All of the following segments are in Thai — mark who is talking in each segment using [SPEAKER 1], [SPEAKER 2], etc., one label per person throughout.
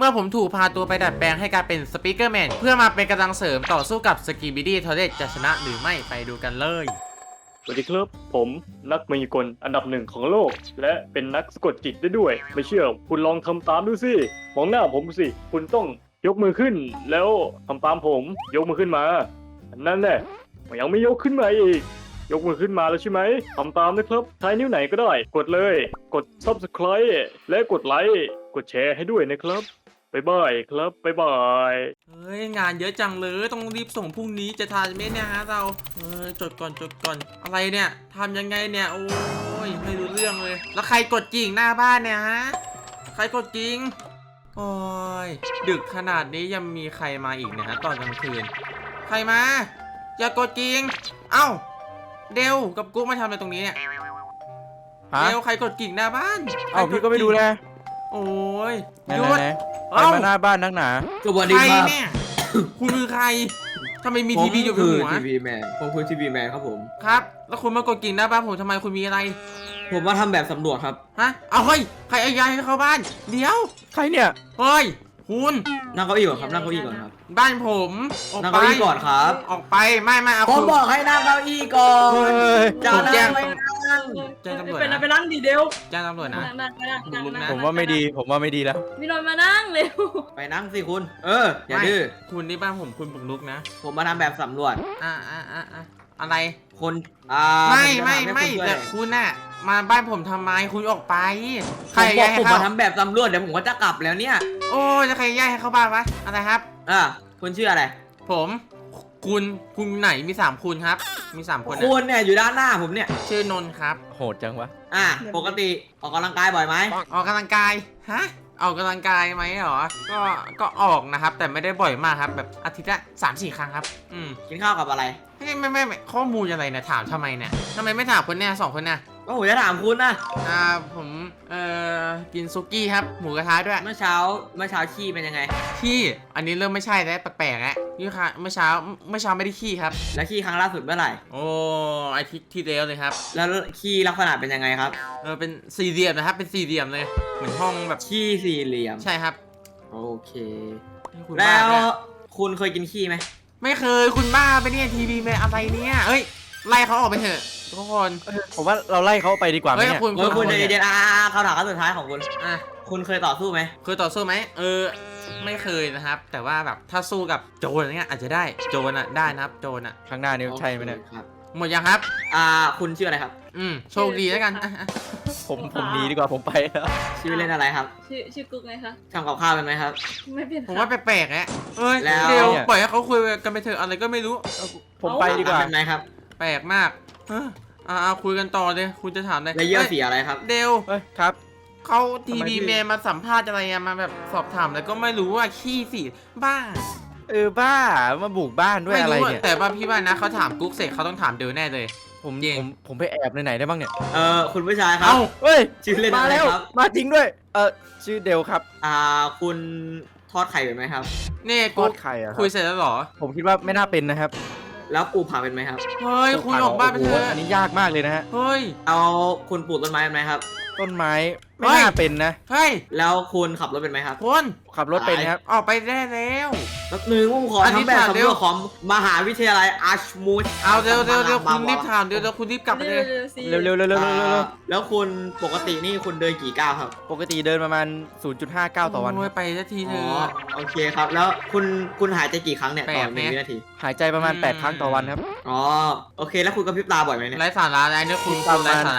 [SPEAKER 1] มื่อผมถูกพาตัวไปดัดแปลงให้กลายเป็นสปีกเกอร์แมนเพื่อมาเป็นกำลังเสริมต่อสู้กับสกีบิดี้ทอร์เรตจะชนะหรือไม่ไปดูกันเลย
[SPEAKER 2] สวัสดีครับผมนักมายากลอันดับหนึ่งของโลกและเป็นนักสะกดจิตได้ด้วยไม่เชื่อคุณลองทำตามดูสิมองหน้าผมสิคุณต้องยกมือขึ้นแล้วทำตามผมยกมือขึ้นมานั่นแหละยังไม่ยกขึ้นมาอีกยกมือขึ้นมาแล้วใช่ไหมทำตามนะครับใช้นิ้วไหนก็ได้กดเลยกด Subscribe และกดไลค์กดแชร์ให้ด้วยนะครับบ๊ายบายครับบ๊ายบาย
[SPEAKER 1] เฮ้ยงานเยอะจังเลยต้องรีบส่งพรุ่งนี้จะทันไหมเนี่ยฮะเราจดก่อนอะไรเนี่ยทำยังไงเนี่ยโอ้ยไม่รู้เรื่องเลยแล้วใครกดกิ่งหน้าบ้านเนี่ยฮะใครกดกิ่งโอ้ยดึกขนาดนี้ยังมีใครมาอีกเนี่ยฮะตอนกลางคืนใครมาอย่ากดกิ่งเอ้าเดวกับกุ๊กมาทำอะไรตรงนี้เนี่ยเดวใครกดกิ่งหน้าบ้าน
[SPEAKER 3] เอ้าพี่ก็ไม่ดูแล
[SPEAKER 1] โอ้ย
[SPEAKER 3] หยุดใครมาหน้าบ้านนักหนา
[SPEAKER 4] สวัสดีครับ
[SPEAKER 1] เนี่ยคุณคือใครทำไมมีทีวีอยู่บนหัว
[SPEAKER 4] ทีวีแมนผมคือทีวีแมนครับผม
[SPEAKER 1] ครับแล้วคุณมากดกิ่งหน้าบ้านผมทำไมคุณมีอะไร
[SPEAKER 4] ผมมาทำแบบสำรวจครับ
[SPEAKER 1] ฮะเอาเฮ้ยใครเอายายให้เข้าบ้านเดี๋ยว
[SPEAKER 3] ใครเนี่ย
[SPEAKER 1] เฮ้ยคุณ
[SPEAKER 4] นั่งเก้าอี้ก่อนครับนั่งเก้าอี้ก่อนครับ
[SPEAKER 1] บ้านผมออก
[SPEAKER 4] นั่ง
[SPEAKER 1] ไป
[SPEAKER 4] เก้าอี้ก่อนครับ
[SPEAKER 1] ออกไปไม่เอา
[SPEAKER 4] ผมบอกให้นั่งเก้าอี้ก่อน
[SPEAKER 1] จะแจ้ง
[SPEAKER 5] แจ้งตำรวจไปนั่งดีเดียว
[SPEAKER 1] แจ้งตำรวจนะ
[SPEAKER 3] ผมว่าไม่ดีแล้ว
[SPEAKER 5] พี่นนท์มานั่งเร็ว
[SPEAKER 4] ไปนั่งสิคุณอย่าดื้อ
[SPEAKER 1] คุณนี่บ้านผมคุณบุกรุกนะ
[SPEAKER 4] ผมมาทำแบบสำรวจ
[SPEAKER 1] อะไร
[SPEAKER 4] คน
[SPEAKER 1] ไม่แต่คุณน่ะมาบ้านผมทำไมคุณออกไป
[SPEAKER 4] ใครย้ายให้ผมมาทำแบบสำรวจเดี๋ยวผมก็จะกลับแล้วเนี่ย
[SPEAKER 1] โอ้จะใครย้ายให้เข้าบ้านวะอะไรครับ
[SPEAKER 4] คุณชื่ออะไร
[SPEAKER 1] ผมคุณไหนมี3คุณครับมี3คน
[SPEAKER 4] คุณเนี่ยอยู่ด้านหน้าผมเนี่ย
[SPEAKER 1] ชื่อนนท์ครับ
[SPEAKER 3] โหดจังวะ
[SPEAKER 4] ปกติออกกำลังกายบ่อยไหม
[SPEAKER 1] ออกกำลังกายฮะออกกำลังกายไหมหรอก็ออกนะครับแต่ไม่ได้บ่อยมากครับแบบอาทิตย์ละ3-4 ครั้งครับ
[SPEAKER 4] กินข้าวกับอะไร
[SPEAKER 1] ไม่ข้อมูลอะไรเนี่ยถามทำไมเนี่ยทำไมไม่ถามคนเนี่ย2 คนเนี่ย
[SPEAKER 4] ก็ผมจะถามคุณนะ
[SPEAKER 1] ผมกินซุกี้ครับหมูกระทะด้วย
[SPEAKER 4] เมื่อเช้าขี้เป็นยังไง
[SPEAKER 1] ขี้อันนี้เริ่มไม่ใช่แล้วแปลกๆแล้วนี่ค่ะเมื่อเช้าไม่ได้ขี้ครับ
[SPEAKER 4] แล้วขี้ครั้งล่าสุดเมื่อไหร่
[SPEAKER 1] โอ้อาทิตย์ที่แล้วเลยครับ
[SPEAKER 4] แล้วขี้ลักษณะเป็นยังไงครับ
[SPEAKER 1] เป็นสี่เหลี่ยมนะครับเป็นสี่เหลี่ยมเลยเหมือนห้องแบบ
[SPEAKER 4] ขี้สี่เหลี่ยม
[SPEAKER 1] ใช่ครับ
[SPEAKER 4] โอเคแล้วคุณเคยกินขี้ไหม
[SPEAKER 1] ไม่เคยคุณบ้าไปเนี่ยทีวีแมนอะไรเนี่ยเอ้ยไล่เขาออกไปเถอะทุกคน
[SPEAKER 3] ผมว่าเราไล่เขาไปดีกว่าไหมเนี่ย
[SPEAKER 4] คุณเดี๋ยวเขาถามสุดท้ายของคุณคุณเคยต่อสู้ไหม
[SPEAKER 1] เคยต่อสู้ไหมไม่เคยนะครับแต่ว่าแบบถ้าสู้กับโจรอะไรเงี้ยอาจจะได้โจรได้นะครับโจร
[SPEAKER 3] ข้างหน้านี่ใช่ไหมเนี่ย
[SPEAKER 1] หมดยังครับ
[SPEAKER 4] คุณชื่ออะไรครับ
[SPEAKER 1] โชคดีแล้วกัน
[SPEAKER 3] ผมหนีดีกว่าผมไปแล้ว
[SPEAKER 4] ชื่อเล่นอะไรครับ
[SPEAKER 5] ชื่อกุ๊กไงคะ
[SPEAKER 4] ทำกับข้าวเป็นไหมครับ
[SPEAKER 5] ไม่เป็น
[SPEAKER 1] ผมว่าแปลกๆแหละเดี๋ยวปล่อยให้เขาคุยกันไปเถอะอะไรก็ไม่รู้
[SPEAKER 3] ผมไปดีกว่า
[SPEAKER 4] เป็นไหมครับ
[SPEAKER 1] แปลกมากคุยกันต่อเลยคุณจะถามอะไร
[SPEAKER 4] แล้วเยี่ยวสีอะไรครับ
[SPEAKER 1] เดว
[SPEAKER 3] ครับ
[SPEAKER 1] เขาทีวีแมนมาสัมภาษณ์อะไรมาแบบสอบถามแล้วก็ไม่รู้ว่าขี้สีบ้า
[SPEAKER 3] บ้ามาบุกบ้านด้วยอะไรเนี่ย
[SPEAKER 1] แต่ว่าพี่ว่านะเขาถามกุ๊กเสร็จเขาต้องถามเดวแน่เลย
[SPEAKER 3] ผมไปแอบไหนได้บ้างเนี่ย
[SPEAKER 4] คุณผู้ชายครับชื่อเล่นอะไรครับ
[SPEAKER 3] มาจริงด้วยชื่อเดวครับ
[SPEAKER 4] คุณทอดไข่เป็นไหมครับ
[SPEAKER 1] นี่
[SPEAKER 3] ทอดไข่
[SPEAKER 1] คุยเสร็จแล้วหรอ
[SPEAKER 3] ผมคิดว่าไม่น่าเป็นนะครับ
[SPEAKER 4] แล้วปลูกผักเป็นไหมครับ
[SPEAKER 1] เฮ้ยคุณออกบ้านไปเถอะ
[SPEAKER 3] อันนี้ยากมากเลยนะฮะ
[SPEAKER 1] เฮ้ย
[SPEAKER 4] เอาคุณปลูกต้นไม้เป็นไหมครับ
[SPEAKER 3] ต้นไม้ไม่น่าเป็นนะ
[SPEAKER 1] เฮ้ย
[SPEAKER 4] แล้วคุณขับรถเป็นไหมครับ
[SPEAKER 1] คุณ
[SPEAKER 3] ขับรถเป็นครับ
[SPEAKER 1] ออกไปได้แล้ว
[SPEAKER 4] แล้วหนึ่งผมขอทำแบบสำรวจของมหาวิทยาลัยอาร์ชมูด
[SPEAKER 1] เอาเร็วคุณรีบถามเดี๋ยวคุณรีบกลับไปเลย
[SPEAKER 3] เร็ว
[SPEAKER 4] แล้วคุณปกตินี่คุณเดินกี่ก้าวครับ
[SPEAKER 3] ปกติเดินประมาณ 0.5 ก้าวต่อวัน
[SPEAKER 1] ไปสักทีเถอะ
[SPEAKER 4] โอเคครับแล้วคุณหายใจกี่ครั้งเนี่ยต่อ1 วินาที
[SPEAKER 3] หายใจประมาณ8 ครั้งต่อวันครับ
[SPEAKER 4] โอเคแล้วคุณกระพริบตาบ่อยไหมเนี่ย
[SPEAKER 1] ไร้สาระอะไรเนี่ยคุณ
[SPEAKER 3] ประมาณ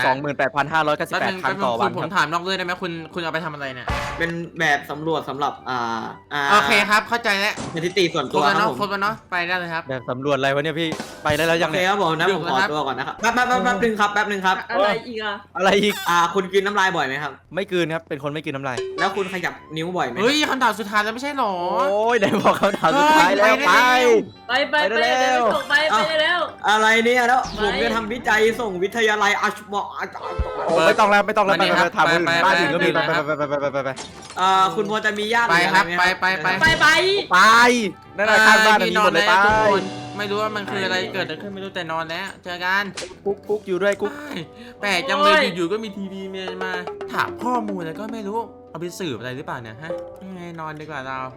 [SPEAKER 3] 28,598 ครั้งต่อวัน
[SPEAKER 1] ผมถามนอกเรื่องได้ไหมคุณเอาไปทำอะไรเนี่ย
[SPEAKER 4] เป็นแบบสำรวจสำหรับ
[SPEAKER 1] โอเคครับเข้าใจแล้ว
[SPEAKER 4] สถิติส่วนตัวครับผม
[SPEAKER 1] ครบแล้วเนาะไปได้เลยครับ
[SPEAKER 3] แบบสำรวจอะไรวะเนี่ยพี่ไปได้แล้วยัง
[SPEAKER 4] เนี่ยโอเคครับผมนะผมขอตัวก่อนนะครับแป๊บนึงครับ
[SPEAKER 5] อะไรอีก
[SPEAKER 3] อะไรอีก
[SPEAKER 4] คุณกินน้ำลายบ่อยไหมครับ
[SPEAKER 3] ไม่กินครับเป็นคนไม่กินน้ำลาย
[SPEAKER 4] แล้วคุณขยับนิ้วบ่อยไหม
[SPEAKER 1] เฮ้ยคำถามสุดท้ายแล้วไม่ใช่หรอ
[SPEAKER 3] โอ้ยไหนบอกคำถามสุดท้ายแล้ว
[SPEAKER 5] ไปเร็วส่งไปเร็ว
[SPEAKER 4] อะไรเนี่ยแล้วผมจะทำวิจัยส่งวิทยาลัยอาชมอ
[SPEAKER 3] ไม่ต้องแล้วไปถามบ้านอื่นก็มีไป
[SPEAKER 4] คุณพอจะมีญาติ
[SPEAKER 1] ไปครับไป
[SPEAKER 3] นั่นแหละข้างบ้านมีหมดเลยไป
[SPEAKER 1] ไม่รู้ว่ามันคืออะไรเกิดขึ้นไม่รู้แต่นอนแล้วเจอกัน
[SPEAKER 3] กุ๊กอยู่ด้วยกุ๊ก
[SPEAKER 1] แปลกจังเลยอยู่ๆก็มีทีวีมาถามข้อมูลแล้วก็ไม่รู้เอาไปสืบอะไรหรือเปล่าเนี่ยฮะยังไงนอนดีกว่าเรา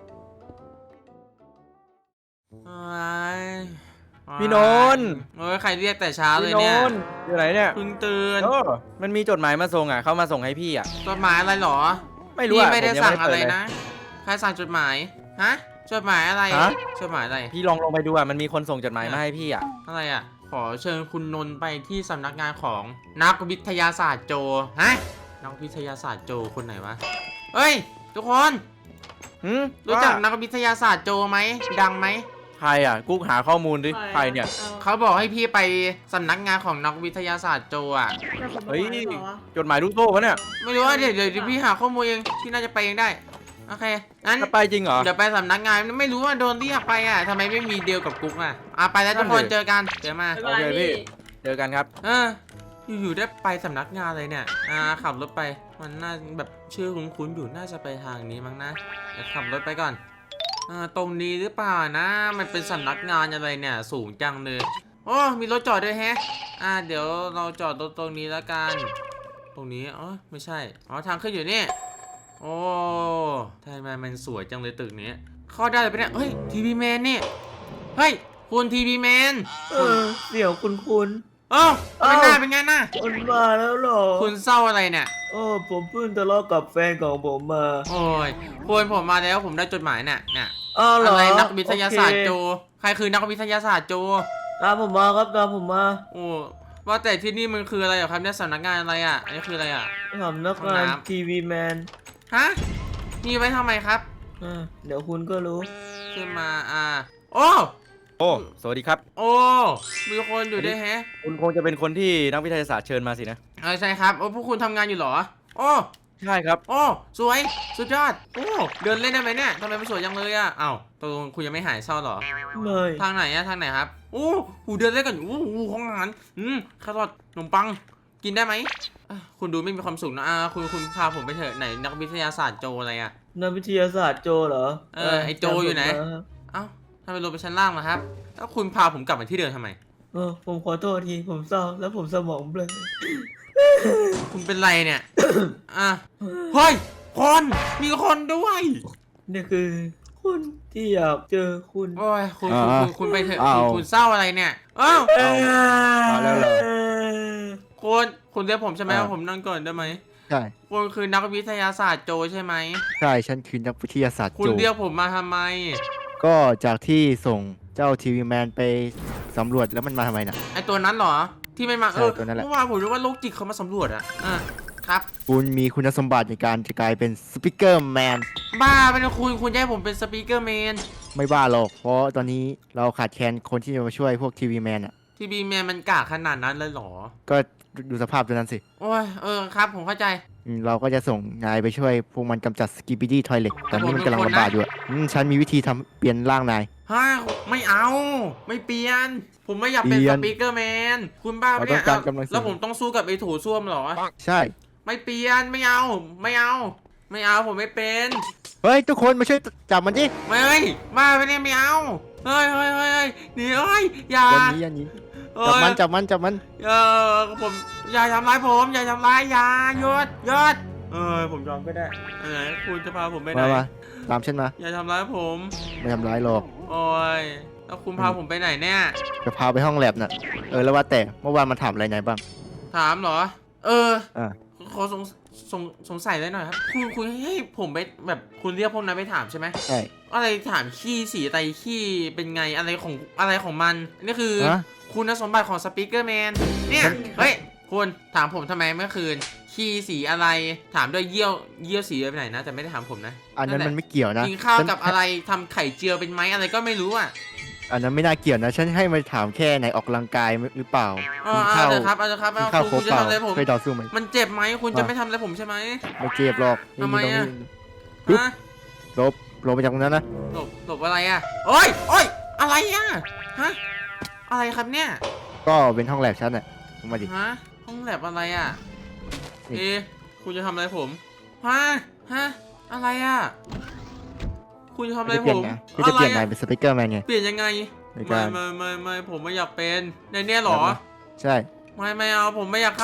[SPEAKER 1] เอ้ย
[SPEAKER 3] พี่นนท์
[SPEAKER 1] โอ้ยใครเรียกแต่เช้าเลย
[SPEAKER 3] พี่
[SPEAKER 1] เนี่ย
[SPEAKER 3] นนท์อยู่ไหนเนี่ย
[SPEAKER 1] เพิ่งตื่น
[SPEAKER 3] โอ้มันมีจดหมายมาส่งอ่ะเขามาส่งให้พี่อ่ะ
[SPEAKER 1] จดหมายอะไรหรอ
[SPEAKER 3] ไม่รู้
[SPEAKER 1] พี่
[SPEAKER 3] อ่ะ
[SPEAKER 1] ไม่ได้
[SPEAKER 3] ผยั
[SPEAKER 1] สั่ง
[SPEAKER 3] ม่
[SPEAKER 1] อะไร
[SPEAKER 3] เปิดเลย
[SPEAKER 1] นะใครสั่งจดหมายฮะจดหมายอะไร
[SPEAKER 3] ฮะ
[SPEAKER 1] จดหมายอะไร
[SPEAKER 3] พี่ลองลงไปดูอ่ะมันมีคนส่งจดหมายมาให้พี่อ่ะ
[SPEAKER 1] อะไรอ่ะขอเชิญคุณนนท์ไปที่สำนักงานของนักวิทยาศาสตร์โจฮะนักวิทยาศาสตร์โจคนไหนวะเฮ้ยทุกคน รู้จักนักวิทยาศาสตร์โจไหมดังไหม
[SPEAKER 3] ใครอ่ะกุ๊กหาข้อมูลดิใครเนี่ย
[SPEAKER 1] เขาบอกให้พี่ไปสำนักงานของนักวิทยาศาสตร์โจอ่ะ
[SPEAKER 3] เฮ้ยจดหมายลูกโซ่ปะเนี่ย
[SPEAKER 1] ไม่รู้ว่าเดี๋ยวพี่หาข้อมูลเองพี่น่าจะไปเองได้โอเคงั้น
[SPEAKER 3] จะไปจริงเหรอ
[SPEAKER 1] เดี๋ยวไปสำนักงานไม่รู้ว่าโดนเรียกไปอ่ะทำไมไม่มีเดียวกับกุ๊กอ่ะไปแล้วทุกคน
[SPEAKER 3] นั่นดิ
[SPEAKER 1] เจอกันเดี๋ยวมา
[SPEAKER 5] บ๊ายบายพี่
[SPEAKER 3] เจอกันครับ
[SPEAKER 1] อยู่ๆได้ไปสำนักงานเลยเนี่ยขับรถไปมันน่าแบบชื่อคุ้นๆอยู่น่าจะไปทางนี้มั้งนะเดี๋ยวขับรถไปก่อนตรงนี้หรือเปล่านะมันเป็นสำนักงานอะไรเนี่ยสูงจังเลยโอ้มีรถจอดด้วยแฮะเดี๋ยวเราจอดรถตรงนี้แล้วกันตรงนี้ไม่ใช่ทางขึ้นอยู่นี่โอ้ทำไมมันสวยจังเลยตึกนี้เข้าได้เลยปะเนี่ยเฮ้ยทีวีแมนนี่เฮ้ยคุณทีวีแมน
[SPEAKER 4] เสี่ยวคุณ
[SPEAKER 1] เป็นหน้าเป็นไงหน้า
[SPEAKER 4] คุณมาแล้วเหรอ
[SPEAKER 1] คุณเศร้าอะไรเนี่ย
[SPEAKER 4] ผมเพิ่งทะเลาะกับแฟนของผมมา
[SPEAKER 1] โอ้ยคุณผมมาแล้วผมได้จดหมายเนี่ย
[SPEAKER 4] เหรอ
[SPEAKER 1] อะไรนักวิทยาศาสตร์โจ
[SPEAKER 4] โอเค
[SPEAKER 1] ใครคือนักวิทยาศาสตร์โจ
[SPEAKER 4] ตามผมมาครับตามผมมา
[SPEAKER 1] โอ้ว่าแต่ที่นี่มันคืออะไรเหรอครับเนี่ยสำนักงานอะไรอ่ะอันนี้คืออะไรอ่ะ
[SPEAKER 4] สำนักงานทีวีแมน
[SPEAKER 1] ฮะมีไว้ทำไมครับ
[SPEAKER 4] เดี๋ยวคุณก็รู้
[SPEAKER 1] ขึ้นมาโอ้
[SPEAKER 3] โอ้สวัสดีครับ
[SPEAKER 1] โอ้มีคนอยู่ด้วยแฮะ
[SPEAKER 3] คุณคงจะเป็นคนที่นักวิทยาศาสตร์เชิญมาสินะ
[SPEAKER 1] ใช่ครับพวกคุณทำงานอยู่เหรอโอ้
[SPEAKER 3] ใช่ครับ
[SPEAKER 1] โอ้สวยสุดยอดโอ้เดินเล่นได้ไหมเนี่ยทำไมมันสวยจังเลยอ่ะอ้าวตกลงคุณยังไม่หายเศร้าเหรอ
[SPEAKER 4] ไม่
[SPEAKER 1] ทางไหนอะทางไหนครับโอ้หูเดินเล่นกันอยู่ของอาหารแครอทขนมปังกินได้ไหมคุณดูไม่มีความสุขนะคุณพาผมไปเถอะไหนนักวิทยาศาสตร์โจอะไรอะ
[SPEAKER 4] นักวิทยาศาสตร์โจเหรอ
[SPEAKER 1] ไอโจอยู่ไหนเอ้าทำไมลงไปชั้นล่างล่ะครับแล้วคุณพาผมกลับมาที่เดิมทำไม
[SPEAKER 4] ผมขอโทษทีผมเศร้าแล้วผมสมองเบลอ
[SPEAKER 1] คุณเป็นไรเนี่ย เฮ้ยคนมีคนด้วย
[SPEAKER 4] นี่คือคุณที่อยากเจอคุณ
[SPEAKER 1] โอ้ยคุณไปเถอะคุณเศร้าอะไรเนี่ย
[SPEAKER 3] เอาแล้วเหรอ
[SPEAKER 1] คุณเรียกผมใช่ไหมว่าผมนั่งก่อนได้ไหม
[SPEAKER 6] ใช่
[SPEAKER 1] คุณคือนักวิทยาศาสตร์โจใช่ไหม
[SPEAKER 6] ใช่ฉันคือนักวิทยาศาสตร์
[SPEAKER 1] คุณ
[SPEAKER 6] โจ
[SPEAKER 1] เรียกผมมาทำไม
[SPEAKER 6] ก็จากที่ส่งเจ้าทีวีแมนไปสำรวจแล้วมันมาทำไมน่ะ
[SPEAKER 1] ไอตัวนั้นเหรอ ที่ไม่มา
[SPEAKER 6] ใช่ตัวนั้นแหละ
[SPEAKER 1] เมื่อวานผมรู้ว่าโรคจิตเขามาสำรวจอะครับ
[SPEAKER 6] คุณมีคุณสมบัติในการจะกลายเป็นสปิเกอร์แมน
[SPEAKER 1] บ้าเป็นคุณจะให้ผมเป็นสปีกเกอร์แมน
[SPEAKER 6] ไม่บ้าหรอก เพราะตอนนี้เราขาดแคลนคนที่จะมาช่วยพวกทีวีแมนอ่ะ
[SPEAKER 1] ทีบีแมนมันกากขนาดนั้นเลยเหรอ
[SPEAKER 6] ก็ดูสภาพตัวนั้นสิ
[SPEAKER 1] โอ้ยครับผมเข้าใจ
[SPEAKER 6] เราก็จะส่งนายไปช่วยพวกมันกำจัดสกิปปี้ดี้ทอยเล็ตตอนนี้มันกำลังระบาดอยู่อะฉันมีวิธีทำเปลี่ยนร่างนาย
[SPEAKER 1] ไม่เอา ไม่เปลี่ยน ผมไม่อยากเป็น
[SPEAKER 6] เปลี่
[SPEAKER 1] ส
[SPEAKER 6] ยน
[SPEAKER 1] ปีกเกอร์แมน คุณบ้าปะเนี่ย
[SPEAKER 6] เราต้องการกำลังเสริม
[SPEAKER 1] แล้วผมต้องสู้กับไอ้โถูส้วมเหรอ
[SPEAKER 6] ใช่
[SPEAKER 1] ไม่เปลี่ยน ไม่เอา ไม่เอา ไม่เอา ผมไม่เป็น
[SPEAKER 6] เฮ้ย ทุกคนมาช่วยจับมันดิ
[SPEAKER 1] ไม่บ้าไปเนี่ยไม่เอา เฮ้ยหนีอย่า
[SPEAKER 6] อย่าหนี้จับมันจับมัน
[SPEAKER 1] ผมอย่าทำร้ายผมอย่าทำร้ายอย่าหยุดผมยอมไม่ได้ไหนคุณจะพาผมไปไหน
[SPEAKER 6] มาตามฉันมา
[SPEAKER 1] อย่าทำร้ายผม
[SPEAKER 6] ไม่ทำร้ายหรอก
[SPEAKER 1] โอ้ยแล้วคุณพาผมไปไหนเนี่ย
[SPEAKER 6] จะพาไปห้องแลบน่ะแล้วว่าแต่เมื่อวานมันถามอะไรนายบ้าง
[SPEAKER 1] ถามเหรอ
[SPEAKER 6] อ่า
[SPEAKER 1] ขอสงสัยเลยหน่อยครับคุณให้ผมไปแบบคุณเรียกพวกนั้นไปถามใช่ไหม
[SPEAKER 6] ใช่
[SPEAKER 1] อะไรถามขี้สีไตขี้เป็นไงอะไรของมันนี่คือ
[SPEAKER 6] ฮะ
[SPEAKER 1] คุณสมบัติของสปีกเกอร์แมนเนี่ยเฮ้ยคุณถามผมทำไมเมื่อคืนขี้สีอะไรถามด้วยเยี่ยวสีไปไหนนะแต่ไม่ได้ถามผมนะ
[SPEAKER 6] อันนั้นมันไม่เกี่ยวนะ
[SPEAKER 1] กินข้าวกับอะไรทำไข่เจียวเป็นไหมอะไรก็ไม่รู้อ่ะ
[SPEAKER 6] อันนั้นไม่น่าเกี่ยวนะ ฉันให้มาถามแค่ไหนออกกำลังกายหรือเปล่ากินข้าว
[SPEAKER 1] เอาเลยครับ
[SPEAKER 6] กินข้าวคร
[SPEAKER 1] คุ
[SPEAKER 6] บ
[SPEAKER 1] ณจะ
[SPEAKER 6] เปล่า
[SPEAKER 1] ทำอะไรผม
[SPEAKER 6] เคยต่อสู้ไหม
[SPEAKER 1] มันเจ็บไหมคุณจะไม่ทำอะไรผมใช่ไหม
[SPEAKER 6] ไม่เจ็บหรอก
[SPEAKER 1] ทำไมอะ
[SPEAKER 6] ปึ๊บ
[SPEAKER 1] ฮะ
[SPEAKER 6] ลบไปจากตรงนั้นนะ
[SPEAKER 1] หลบอะไรอ่ะโอ้ยอะไรอ่ะฮะอะไรครับเนี่ย
[SPEAKER 6] ก็เป็นห้องแลบฉันน่ะลงมาดิ
[SPEAKER 1] ฮะห้องแลบอะไรอ่ะ
[SPEAKER 6] นี่
[SPEAKER 1] คุณจะทำอะไรผมฮะอะไรอ่ะคุณจะทำอะไร
[SPEAKER 6] จะเป
[SPEAKER 1] ผ
[SPEAKER 6] ลี่ยน
[SPEAKER 1] ม
[SPEAKER 6] นะพี่จะเปลี่ยนนายเป็นสปิเกอร์แมนไง
[SPEAKER 1] เปลี่ยนยังไง
[SPEAKER 6] ในการ
[SPEAKER 1] ไม่ผมไม่อยากเป็นในเนี้ยเหรอ
[SPEAKER 6] ใช่
[SPEAKER 1] ไม่เอาผมไม่อยากเข้า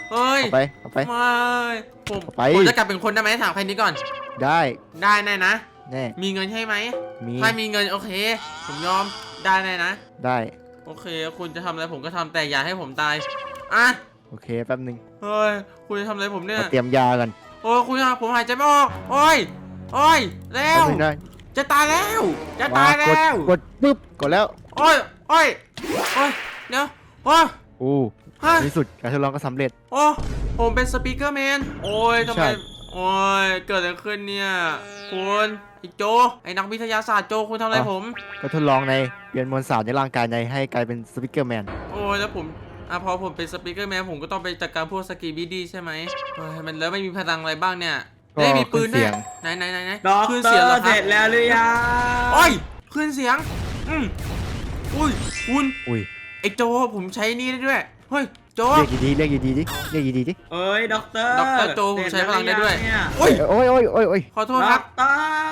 [SPEAKER 1] เฮ้ย
[SPEAKER 6] เอาไป
[SPEAKER 1] ไม่ผม
[SPEAKER 6] ไป
[SPEAKER 1] ผมจะกลับเป็นคนได้ไหมถามใครนี้ก่อน
[SPEAKER 6] ได้
[SPEAKER 1] ได้แน่นะ
[SPEAKER 6] แน่
[SPEAKER 1] มีเงินให้ไหม
[SPEAKER 6] มี
[SPEAKER 1] ถ้ามีเงินโอเค ผมยอมได้แน่นะ
[SPEAKER 6] ได้
[SPEAKER 1] โอเค คุณจะทำอะไรผมก็ทำแต่อย่าให้ผมตายอ่ะ
[SPEAKER 6] โอเคแป๊บนึง
[SPEAKER 1] เฮ้ยคุณจะทำอะไรผมเนี่ย
[SPEAKER 6] มาเตรียมยากัน
[SPEAKER 1] โอ้ยคุณอะผมหายใจไม่ออกโอ้ยโอ้ยแล้
[SPEAKER 6] แป๊
[SPEAKER 1] ว
[SPEAKER 6] บนึงได้
[SPEAKER 1] จะตายแล้วจะตายแล้ว
[SPEAKER 6] กดปุ๊บกดแล้ว
[SPEAKER 1] โอ้ยโอ้ยโอ้ยเดี๋ยวโอ้ย
[SPEAKER 6] อู้
[SPEAKER 1] ฮะ
[SPEAKER 6] ในที่สุดการทดลองก็สำเร็จ
[SPEAKER 1] โอ้ผมเป็นสปีกเกอร์แมนโอ้ยทำไม
[SPEAKER 6] ใช่
[SPEAKER 1] โอ้ยเกิดอะไรขึ้นเนี่ยคุณไอ้โจไอ้นักวิทยาศาสตร์โจคุณทำอะไรผม
[SPEAKER 6] ก็ทดลองในเปลี่ยนมวลสารในร่างกายในให้กลายเป็นสปิเกอร์แมน
[SPEAKER 1] โอ้ยแล้วผมพอผมเป็นสปีกเกอร์แมนผมก็ต้องไปจัดการพวกสกีบีดีใช่ไหมเฮ้ยมันแล้วไม่มีพลังอะไรบ้างเนี่ย
[SPEAKER 6] ก็
[SPEAKER 1] เฮ้ยมีปืน
[SPEAKER 6] ขึ้น
[SPEAKER 1] ด้
[SPEAKER 6] เสี
[SPEAKER 1] วย
[SPEAKER 6] ง
[SPEAKER 1] ไหน
[SPEAKER 4] ด็อก
[SPEAKER 1] ขึ้น
[SPEAKER 4] เตอ
[SPEAKER 1] เสียงเหรอ
[SPEAKER 4] ร์
[SPEAKER 1] ค
[SPEAKER 4] เส
[SPEAKER 1] รั
[SPEAKER 4] ร็
[SPEAKER 1] บ
[SPEAKER 4] จแล้วหรือยัง
[SPEAKER 1] โอ้ยขึ้นเสียงอุ้ยคุณ
[SPEAKER 6] อุ้ย
[SPEAKER 1] ไอ้โจผมใช้นี่ได้ด้วยเฮ้ยโจ
[SPEAKER 6] เรียกดีๆเรียกดีๆดิเรียกดีๆดิ
[SPEAKER 4] เอ้ยด็อกเตอร์
[SPEAKER 1] ด็อกเตอร์โจผมใช้พลังได้ด้วย
[SPEAKER 4] เสร็จแล้
[SPEAKER 1] โอ้ย
[SPEAKER 6] โอ้ยโอ้ยโอ้ยโอ้ย
[SPEAKER 1] ขอโทษ
[SPEAKER 4] ว
[SPEAKER 1] ค
[SPEAKER 4] เนี่ย
[SPEAKER 1] รับ
[SPEAKER 4] ด็อกเตอร์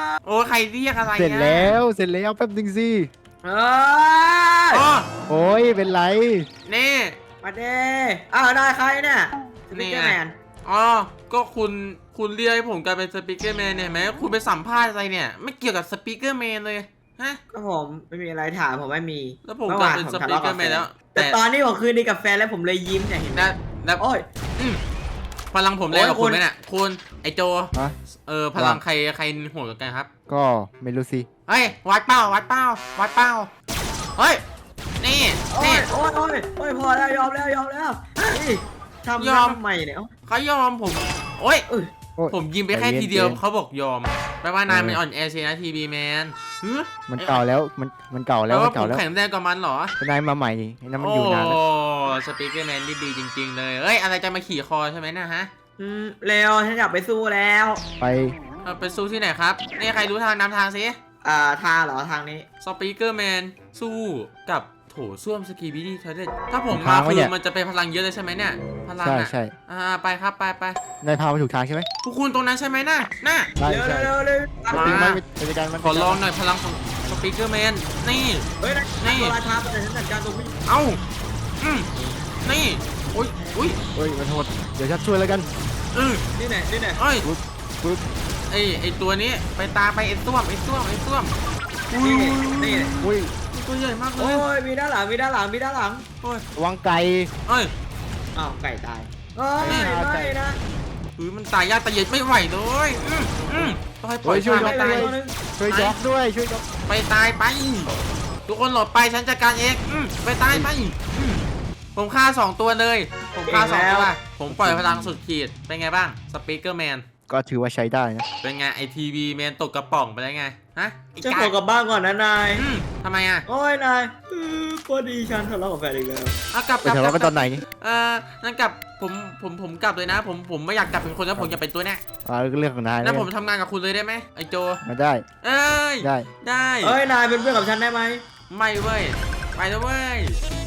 [SPEAKER 1] โอ้ใครเรียกอะไร
[SPEAKER 6] เสร็จแล้วแป๊บนึงสิ
[SPEAKER 4] เอ้ย
[SPEAKER 1] อ๋อ
[SPEAKER 6] โอ้ยเป็นไร
[SPEAKER 1] นี่
[SPEAKER 4] มาเด้อ้าวได้ใครเนี่ยส
[SPEAKER 1] นี่
[SPEAKER 4] ปิเกอ
[SPEAKER 1] ไง
[SPEAKER 4] ร์แมน
[SPEAKER 1] อ๋อก็คุณเรียกให้ผมกลายเป็นสปีกเกอร์แมนเนี่ยเห็นไหมคุณไปสัมภาษณ์อะไรเนี่ยไม่เกี่ยวกับสปีกเกอร์แมนเลยฮะ
[SPEAKER 4] ก็ผมไม่มีอะไรถามผมไม่มี
[SPEAKER 1] แล้วผมกลายเป็นสปีกเกอร์แมนแล้ว
[SPEAKER 4] แต่ตอนนี้ผมคืนดีกับแฟนแล้วผมเลยยิ้มเนี่ยเห็นไหม
[SPEAKER 1] แล้ว
[SPEAKER 4] โอ้ย
[SPEAKER 1] พลังผมแรงกว่า
[SPEAKER 4] โอ้ย
[SPEAKER 1] คุณไหมเนี่ยคุณไอโจ
[SPEAKER 6] ฮะ
[SPEAKER 1] พลังใครโหดกว่ากันครับ
[SPEAKER 6] ก็ไม่รู้สิ
[SPEAKER 1] เฮ้ยวัดเป้าเฮ้ยนี่
[SPEAKER 4] โอ้
[SPEAKER 1] นี่
[SPEAKER 4] ยโอ้ยโอ้ยโอ้ยพอแล้วยอมแล้วเฮ้ยทำ
[SPEAKER 1] ยอม
[SPEAKER 4] ทำไมเนี่ยเอ้า
[SPEAKER 1] เขายอมผมโอ้ย
[SPEAKER 4] เอ้ย
[SPEAKER 6] โอ้ย
[SPEAKER 1] ผมยิงไปแค่ทีเดียวเขาบอกยอมแปลว่านายมันอ่อนแอเชียนะทีบีแมน
[SPEAKER 6] มันเก่าแล้วมันเก่าแล้ว
[SPEAKER 1] ว่า
[SPEAKER 6] มัน
[SPEAKER 1] ผ
[SPEAKER 6] เก่าม แล้ว
[SPEAKER 1] แข็งแรงกว่ามันเหรอ
[SPEAKER 6] นายมาใหม่ไอ้นั่นมัน
[SPEAKER 1] โอ้
[SPEAKER 6] อยู่นานแล้ว
[SPEAKER 1] สปีกเกอร์แมนนี่ดีจริง ๆ เลยเอ้ยอะไรจะมาขี่คอใช่ไหมนะฮะ
[SPEAKER 4] เร็วฉันอยากไปสู้แล้ว
[SPEAKER 6] ไป
[SPEAKER 1] ไปสู้ที่ไหนครับนี่ใครรู้ทางนำทางสิ
[SPEAKER 4] ทางเหรอทางนี้
[SPEAKER 1] สปีกเกอร์แมนสู้กับโถส้วมสกีบิดี้เทเลถ้าผมมาคือมันจะเป็นพลังเยอะเลยใช่ไหมเนี่ยพลัง
[SPEAKER 6] ใช่
[SPEAKER 1] อ่ะ
[SPEAKER 6] ใช่
[SPEAKER 1] ไปครับไป
[SPEAKER 6] นายพามาถูกทางใช่ไหม
[SPEAKER 1] พวกคุณตรงนั้นใช่ไหมน่ะ
[SPEAKER 6] ได้
[SPEAKER 4] เร็ว
[SPEAKER 6] ใช่
[SPEAKER 4] เร็วเร็ว
[SPEAKER 1] มา
[SPEAKER 6] จริงไหมไปจัดการมัน
[SPEAKER 1] ขอลองหน่อยพลังของสปีกเกอร์แมนนี่
[SPEAKER 4] เฮ้ย
[SPEAKER 1] นี่
[SPEAKER 4] ตัวราชาแต่ฉันจัดการตรงนี้
[SPEAKER 1] เอ้านี่อุ้ย
[SPEAKER 6] เฮ้ยมันโหดเดี๋ยวฉันช่วยแล้วกัน
[SPEAKER 4] นี่ไหน
[SPEAKER 1] เอ้ย
[SPEAKER 6] ปึ๊บ
[SPEAKER 1] ไอตัวนี้ไปตามไปไอส้วมอุ้ย
[SPEAKER 4] นี่
[SPEAKER 6] อุ้ย
[SPEAKER 1] ตัวใหญ่มากเล
[SPEAKER 4] โอ้
[SPEAKER 1] ย
[SPEAKER 4] ยมีด้านหลังมีด้านหลังมีด้านหลัง
[SPEAKER 1] โอ้ย
[SPEAKER 6] ระวังไก่
[SPEAKER 1] เอ้ย
[SPEAKER 4] อ้าวไก่ตายเฮ้ย
[SPEAKER 1] นี่
[SPEAKER 4] ไม่นะ
[SPEAKER 1] มันตายยากตายเย็นไม่ไหวเลยต้องให้ปล่อย
[SPEAKER 6] ช่วย
[SPEAKER 1] ทาง
[SPEAKER 6] ยก
[SPEAKER 1] ไป
[SPEAKER 6] ด้วยช่วยยกด้วยช่วยยก
[SPEAKER 1] ไปตายไป ทุกคนหลบไปฉันจัดการเองไปตายไปผมฆ่า2 ตัวเลย ผมฆ่า2 ตัวผมปล่อยพลังสุดขีดเป็นไงบ้างสปีกเกอร์แมน
[SPEAKER 6] ก็ถือว่าใช้ได้นะ
[SPEAKER 1] เป็นไงไอทีวีแมนตกกระป๋องไปแล้วไงฮะไอ้
[SPEAKER 4] จะ
[SPEAKER 1] กา
[SPEAKER 4] ขอกลับบ้านก่อนนะนาย
[SPEAKER 1] ทำไมอ่ะ
[SPEAKER 4] โอ้ยนายพอดีฉันทะเลาะกับแฟนอีกแล้ว
[SPEAKER 1] เอากลับ
[SPEAKER 6] ไปทะเลาะกันตอนไหนนี่
[SPEAKER 1] นั่นกลับผมกลับเลยนะ ผมไม่อยากกลับเป็นคนแล้วผมอยากเป็นตัวเนี้ย
[SPEAKER 6] เรื่องของนาย
[SPEAKER 1] แล้ว
[SPEAKER 6] นะ
[SPEAKER 1] ผมทำงานกับคุณเลยได้ไหมไอโจ
[SPEAKER 6] มาได้
[SPEAKER 1] เอ้ย
[SPEAKER 6] ได้
[SPEAKER 1] ได้
[SPEAKER 4] เอ้ยนายเป็นเพื่อนกับฉันได้ไหม
[SPEAKER 1] ไม่เว้ยไปแล้วเว้ย